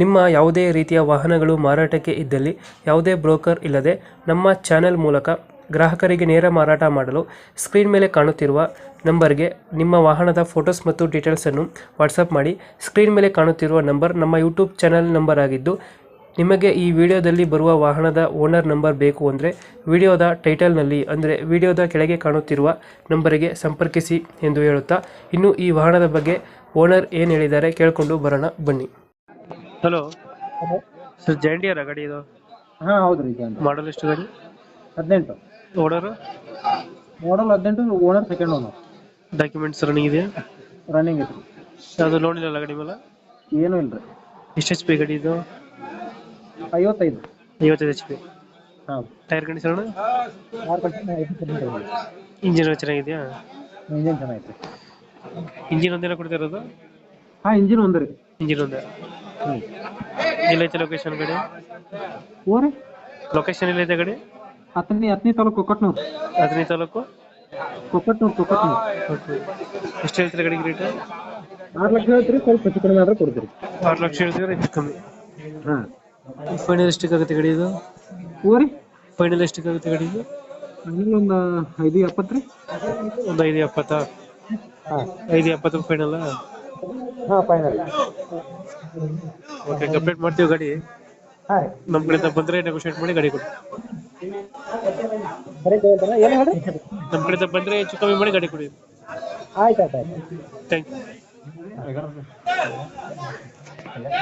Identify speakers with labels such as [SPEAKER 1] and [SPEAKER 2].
[SPEAKER 1] ನಿಮ್ಮ ಯಾವುದೇ ರೀತಿಯ ವಾಹನಗಳು ಮಾರಾಟಕ್ಕೆ ಇದ್ದಲ್ಲಿ ಯಾವುದೇ ಬ್ರೋಕರ್ ಇಲ್ಲದೆ ನಮ್ಮ ಚಾನೆಲ್ ಮೂಲಕ ಗ್ರಾಹಕರಿಗೆ ನೇರ ಮಾರಾಟ ಮಾಡಲು ಸ್ಕ್ರೀನ್ ಮೇಲೆ ಕಾಣುತ್ತಿರುವ ನಂಬರ್ಗೆ ನಿಮ್ಮ ವಾಹನದ ಫೋಟೋಸ್ ಮತ್ತು ಡೀಟೇಲ್ಸನ್ನು ವಾಟ್ಸಪ್ ಮಾಡಿ. ಸ್ಕ್ರೀನ್ ಮೇಲೆ ಕಾಣುತ್ತಿರುವ ನಂಬರ್ ನಮ್ಮ ಯೂಟ್ಯೂಬ್ ಚಾನೆಲ್ ನಂಬರ್ ಆಗಿದ್ದು, ನಿಮಗೆ ಈ ವಿಡಿಯೋದಲ್ಲಿ ಬರುವ ವಾಹನದ ಓನರ್ ನಂಬರ್ ಬೇಕು ಅಂದರೆ ವಿಡಿಯೋದ ಟೈಟಲ್ನಲ್ಲಿ ಅಂದರೆ ವಿಡಿಯೋದ ಕೆಳಗೆ ಕಾಣುತ್ತಿರುವ ನಂಬರಿಗೆ ಸಂಪರ್ಕಿಸಿ ಎಂದು ಹೇಳುತ್ತಾ, ಇನ್ನು ಈ ವಾಹನದ ಬಗ್ಗೆ ಓನರ್ ಏನು ಹೇಳಿದ್ದಾರೆ ಕೇಳಿಕೊಂಡು ಬರೋಣ ಬನ್ನಿ. ಹಲೋ ಸರ್, ಜಾಂಡಿಯರ ಗಾಡಿ ಇದು?
[SPEAKER 2] ಹಾ ಹೌದ್ರಿ. ಈಗ
[SPEAKER 1] ಮಾಡಲ್ ಎಷ್ಟು ಗಾಡಿ?
[SPEAKER 2] 18
[SPEAKER 1] owner?
[SPEAKER 2] Model 18, owner second owner.
[SPEAKER 1] Documents running ಇದೆಯಾ?
[SPEAKER 2] ರನ್ನಿಂಗ್ ಐತ್ರಿ.
[SPEAKER 1] ಅದು ಲೋನ್ ಇಲ್ಲ ಗಾಡಿ ಮೇಲೆ?
[SPEAKER 2] ಏನೂ ಇಲ್ರಿ.
[SPEAKER 1] ಎಷ್ಟು ಎಚ್ ಪಿ ಗಾಡಿ ಇದು?
[SPEAKER 2] 55.
[SPEAKER 1] 55 ಎಚ್ ಪಿ.
[SPEAKER 2] ಹೌದು.
[SPEAKER 1] Tyre condition?
[SPEAKER 2] ಇಂಜಿನ್
[SPEAKER 1] ಇಂಜಿನ್ ಚೆನ್ನಾಗಿದೆಯಾ?
[SPEAKER 2] ಚೆನ್ನಾಗೈತ್ರಿ.
[SPEAKER 1] ಇಂಜಿನ್ ಒಂದೇನ ಕೊಡ್ತಾ ಇರೋದು?
[SPEAKER 2] ಹಾ, ಇಂಜಿನ್ ಒಂದ್ರಿ.
[SPEAKER 1] ಇಂಜಿನ್ ಒಂದೇ. ಎಲ್ಲೈತೆ ಲೊಕೇಶನ್ ಗಾಡಿ?
[SPEAKER 2] ಓರಿ
[SPEAKER 1] ಲೊಕೇಶನ್ ಎಲ್ಲೈತೆ ಗಾಡಿ?
[SPEAKER 2] ಹತ್ತನೇ ತಾಲೂಕು ಕೊಕ್ಕಟ್ನೂರು.
[SPEAKER 1] 15 ತಾಲೂಕು
[SPEAKER 2] ಕೊಕ್ಕಟ್ನೂರು.
[SPEAKER 1] ಎಷ್ಟು ಹೇಳ್ತೀರಾ ಗಾಡಿಗೆ ರೇಟ್?
[SPEAKER 2] 6 ಲಕ್ಷ ಹೇಳ್ತೀರಿ, ಸ್ವಲ್ಪ ಹೆಚ್ಚು ಕಡಿಮೆ ಆದ್ರೆ ಕೊಡ್ತೀರಿ.
[SPEAKER 1] 6 ಲಕ್ಷ ಹೇಳ್ತೀರಾ, ಹೆಚ್ಚು ಕಮ್ಮಿ.
[SPEAKER 2] ಹಾ.
[SPEAKER 1] ಫೈನಲ್ ಎಷ್ಟಕ್ಕಾಗುತ್ತೆ ಗಾಡಿ ಇದು?
[SPEAKER 2] ಓರಿ
[SPEAKER 1] ಫೈನಲ್ ಎಷ್ಟಕ್ಕಾಗುತ್ತೆ ಗಾಡಿ ಇದು?
[SPEAKER 2] ಒಂದು 5.70 ರೀ.
[SPEAKER 1] ಒಂದು 5.70?
[SPEAKER 2] ಹಾ
[SPEAKER 1] 5.70 ಫೈನಲ್?
[SPEAKER 2] ಹಾ, ಫೈನಲ್.
[SPEAKER 1] ಓಕೆ, ಕಂಪ್ಲೀಟ್ ಮಾಡ್ತೀವಿ ಗಾಡಿ.
[SPEAKER 2] ಹಾ
[SPEAKER 1] ನಮ್ಮ ಕಡೆಯಿಂದ ಬಂದರೆ ನೆಗೋಷಿಯೇಟ್ ಮಾಡಿ ಗಾಡಿ ಕೊಡಿ.
[SPEAKER 2] ಏನು ಹೇಳಿ?
[SPEAKER 1] ನಮ್ಮ ಕಡೆಯಿಂದ ಬಂದರೆ ಹೆಚ್ಚು ಕಮ್ಮಿ ಮಾಡಿ ಗಾಡಿ ಕೊಡಿ.
[SPEAKER 2] ಆಯ್ತು.
[SPEAKER 1] Thank you.